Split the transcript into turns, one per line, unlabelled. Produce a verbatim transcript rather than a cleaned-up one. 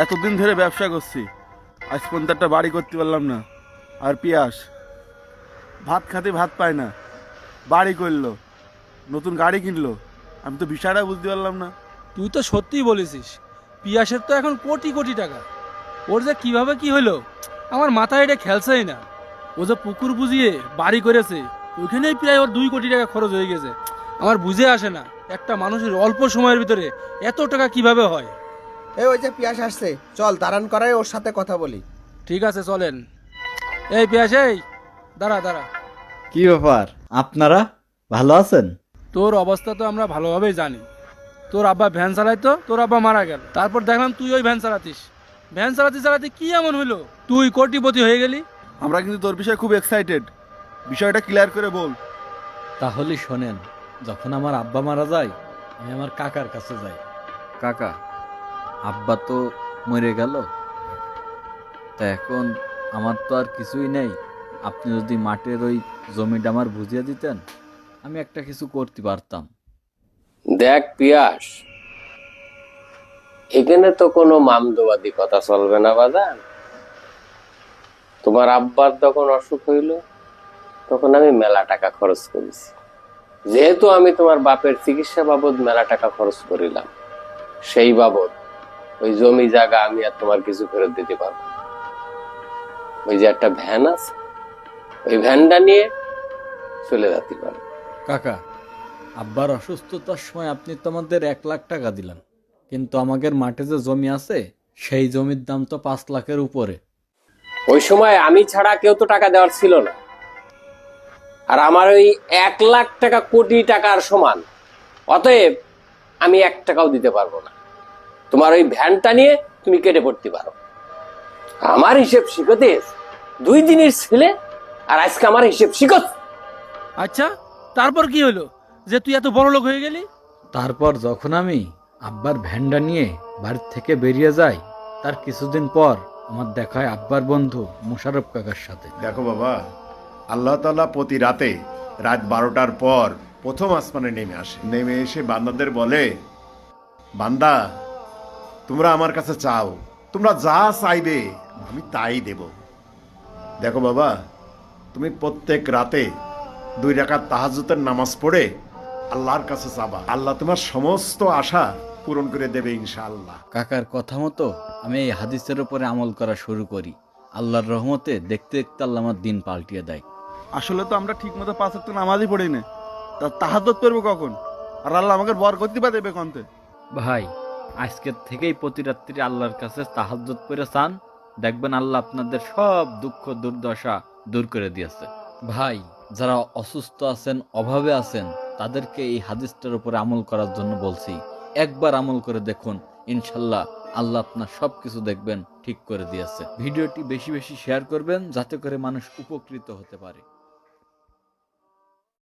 এতদিন ধরে ব্যবসা করছি, আজ পর্যন্ত একটা বাড়ি করতে পারলাম না। আর পিয়াস ভাত খাতে ভাত পায় না, বাড়ি করলো, নতুন গাড়ি কিনলো। আমি তো বিষয়টা বুঝতে পারলাম না।
তুই তো সত্যিই বলেছিস, পিয়াসের তো এখন কোটি কোটি টাকা। ওর যে কিভাবে কি হলো আমার মাথায় এটা খেলছেই না। ও যে পুকুর বুঝিয়ে বাড়ি করেছে, ওইখানেই প্রায় ওর দুই কোটি টাকা খরচ হয়ে গেছে। আমার বুঝে আসে না একটা মানুষের অল্প সময়ের ভিতরে এত টাকা কিভাবে হয়।
এই ওই যে পিয়াস আসছে, চল দাঁড়ান করাই ওর সাথে কথা বলি।
ঠিক আছে চলেন। এই পিয়াস, এই দাঁড়া দাঁড়া।
কি ব্যাপার, আপনারা ভালো আছেন?
তোর অবস্থা তো আমরা ভালোভাবেই জানি। তোর আব্বা ভ্যান চালাইতো, তোর আব্বা মারা গেল, তারপর দেখলাম তুই ওই ভ্যান চালাতিস। ভ্যান চালাতে চালাতে কি এমন হইলো তুই কোটিপতি হয়ে গেলি?
আমরা কিন্তু তোর বিষয়ে খুব এক্সাইটেড, বিষয়টা ক্লিয়ার করে বল।
তাহলে শোনেন, যখন আমার আব্বা মারা যায় আমি আমার কাকার কাছে যাই। কাকা, আব্বা তো মরে গেল, তা এখন আমার তো আর কিছুই নেই। আপনি যদি মাঠের ওই জমিটা আমার বুঝিয়ে দিতেন, আমি একটা কিছু করতে পারতাম।
দেখ পিয়াস, এখানে তো কোনো মামদোবাদী কথা চলবে না বাজান। তোমার আব্বার যখন অসুখ হইল তখন আমি মেলা টাকা খরচ করেছি। যেহেতু আমি তোমার বাপের চিকিৎসা বাবদ মেলা টাকা খরচ করিলাম, সেই বাবদ ওই জমি জায়গা আমি আর তোমার কিছু ফেরত দিতে পারবো না। ওই যে একটা ভ্যান আছে, ওই ভ্যানটা নিয়ে চলে যেতে পারো।
কাকা, আব্বার অসুস্থতার সময় আপনি তো আমাদের এক লাখ টাকা দিলেন, কিন্তু আমাদের মাঠে যে জমি আছে সেই জমির দাম তো পাঁচ লাখের উপরে।
ওই সময় আমি ছাড়া কেউ তো টাকা দেওয়ার ছিল না। আর আমার ওই এক লাখ টাকা কোটি টাকার সমান, অতএব আমি এক টাকাও দিতে পারবো না। তোমার ওই ভ্যানটা নিয়ে তুমি কেটে পড়তে পারো। আমার হিসেব শিখতে দুই দিনের ছেলে, আর আজকে আমার হিসেব শিখত।
আচ্ছা, তারপর কি হলো যে তুই এত বড় লোক হয়ে গেলি?
তারপর যখন আমি আব্বার ভ্যানটা নিয়ে বাড়ির থেকে বেরিয়ে যাই, তার কিছুদিন পর আমার দেখা হয় আব্বার বন্ধু মোশাররফ কাকার সাথে।
দেখো বাবা, আল্লাহ তাআলা প্রতি রাতে রাত বারোটার পর প্রথম আসমানে নেমে আসে। নেমে এসে বান্দাদের বলে, বান্দা তোমরা আমার কাছে চাও, তোমরা যা চাইবে আমি তাই দেব। দেখো বাবা, তুমি প্রত্যেক রাতে দুই রাকাত তাহাজ্জুদের নামাজ পড়ে আল্লাহর কাছে চাবা, আল্লাহ তোমার সমস্ত আশা পূরণ করে দেবে ইনশাআল্লাহ।
কাকার কথা মতো আমি এই হাদিসের উপরে আমল করা শুরু করি। আল্লাহর রহমতে দেখতে দেখতে আল্লাহ আমার দিন পাল্টিয়ে দেয়।
আসলে তো আমরা ঠিক মতো পাঁচ ওয়াক্ত নামাজই পড়ি না, তা তাহাজ্জুদ পড়বো কখন? আর আল্লাহ আমাকে বর করতে পারে দেবে কন্তে?
ভাই, আজকের থেকেই প্রতি রাত্রি আল্লাহর কাছে তাহাজ্জুদ করে চান, দেখবেন আল্লাহ আপনাদের সব দুঃখ দুর্দশা দূর করে দিয়েছে। ভাই, যারা অসুস্থ আছেন, অভাবে আছেন, তাদেরকে এই হাদিসটার উপরে আমল করার জন্য বলছি। একবার আমল করে দেখুন, ইনশাল্লাহ আল্লাহ আপনার সবকিছু দেখবেন ঠিক করে দিয়েছে। ভিডিওটি বেশি বেশি শেয়ার করবেন যাতে করে মানুষ উপকৃত হতে পারে।